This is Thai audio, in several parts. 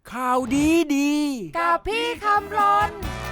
ข่าวดีดีกับพี่คำรน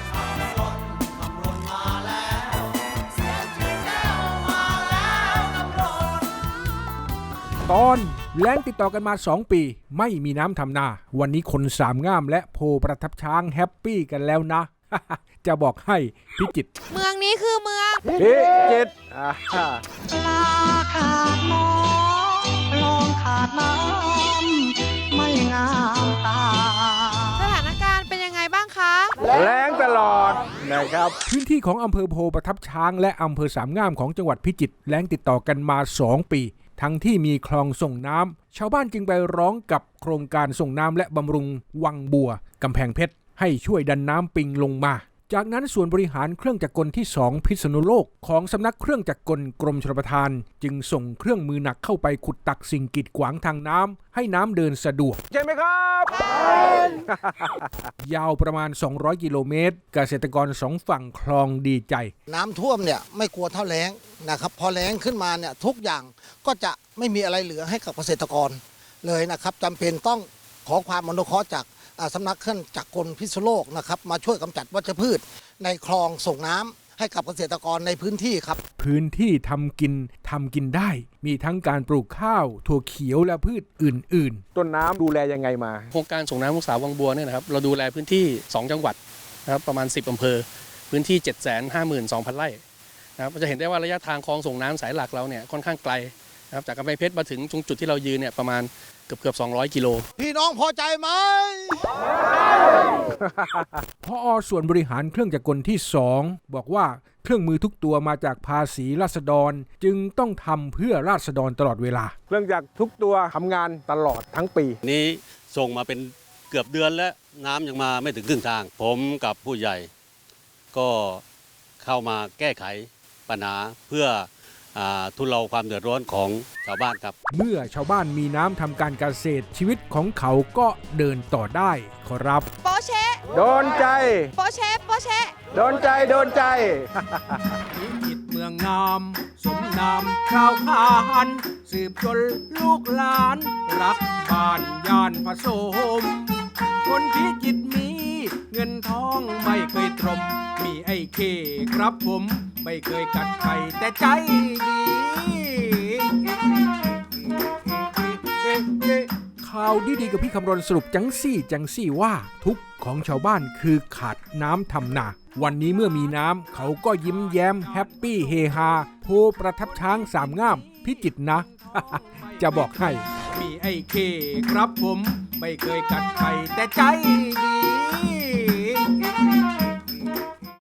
ตอนแล้งติดต่อกันมา2 ปีไม่มีน้ำทำนาวันนี้คนสามง่ามและโพประทับช้างแฮปปี้กันแล้วนะ จะบอกให้พิจิตรเมืองนี้คือเมืองพิจิตรปลาขาดหมอลองขาดน้ำไม่งามตาสถานการณ์เป็นยังไงบ้างคะแล้งตลอดนะครับพื้นที่ของอำเภอโพประทับช้างและอำเภอสามง่ามของจังหวัดพิจิตรแล้งติดต่อกันมา2 ปีทั้งที่มีคลองส่งน้ำชาวบ้านจึงไปร้องกับโครงการส่งน้ำและบำรุงวังบัวกำแพงเพชรให้ช่วยดันน้ำปิงลงมาจากนั้นส่วนบริหารเครื่องจักรกลที่2พิษณุโลกของสำนักเครื่องจักรกลกรมชลประทานจึงส่งเครื่องมือหนักเข้าไปขุดตักสิ่งกีดขวางทางน้ำให้น้ำเดินสะดวกใช่ไหมครับยาวประมาณ200 กิโลเมตรเกษตรกร2 ฝั่งคลองดีใจน้ำท่วมเนี่ยไม่กลัวเท่าแล้งนะครับพอแล้งขึ้นมาเนี่ยทุกอย่างก็จะไม่มีอะไรเหลือให้กับเกษตรกรเลยนะครับจำเป็นต้องขอความอนุเคราะห์จากสำนักเครื่องจักรกลพิษณุโลกนะครับมาช่วยกำจัดวัชพืชในคลองส่งน้ำให้กับเกษตรกรในพื้นที่ครับพื้นที่ทำกินได้มีทั้งการปลูกข้าวถั่วเขียวและพืชอื่นๆต้นน้ำดูแลยังไงมาโครงการส่งน้ำลูกสาววังบัวเนี่ยนะครับเราดูแลพื้นที่2 จังหวัดนะครับประมาณ10 อำเภอพื้นที่ 752,000 ไร่นะครับจะเห็นได้ว่าระยะทางคลองส่งน้ำสายหลักเราเนี่ยค่อนข้างไกลนะครับจากกำแพงเพชรมาถึงตรงจุดที่เรายืนเนี่ยประมาณเกือบ200 กิโลพี่น้องพอใจไหมพอส่วนบริหารเครื่องจักรกลที่2บอกว่าเครื่องมือทุกตัวมาจากภาษีราษฎรจึงต้องทำเพื่อราษฎรตลอดเวลาเครื่องจักรทุกตัวทำงานตลอดทั้งปีนี้ส่งมาเป็นเกือบเดือนแล้วน้ำยังมาไม่ถึงครึ่งทางผมกับผู้ใหญ่ก็เข้ามาแก้ไขปัญหาเพื่อทุเลาความเดือดร้อนของชาวบ้านครับเมื่อชาวบ้านมีน้ำทำการเกษตรชีวิตของเขาก็เดินต่อได้ขอรับโปเชะโดนใจโปเชะโปเชะโดนใจพิจิตรเมืองงามสมนามชาวพานสืบจนลูกหลานรักบ้านย่านผสมคนพิจิตรมีเงินทองไม่เคยตรมมีไอ้เคครับผมไม่เคยกัดใครแต่ใจดีข่าวดีๆกับพี่คำรณสรุปจังซี่ว่าทุกข์ของชาวบ้านคือขาดน้ำทำนาวันนี้เมื่อมีน้ำเขาก็ยิ้มแย้มแฮปปี้เฮฮาโพประทับช้างสามง่ามพิจิตรนะ จะบอกให้มีไอ้เคครับผมไม่เคยกัดใครแต่ใจดี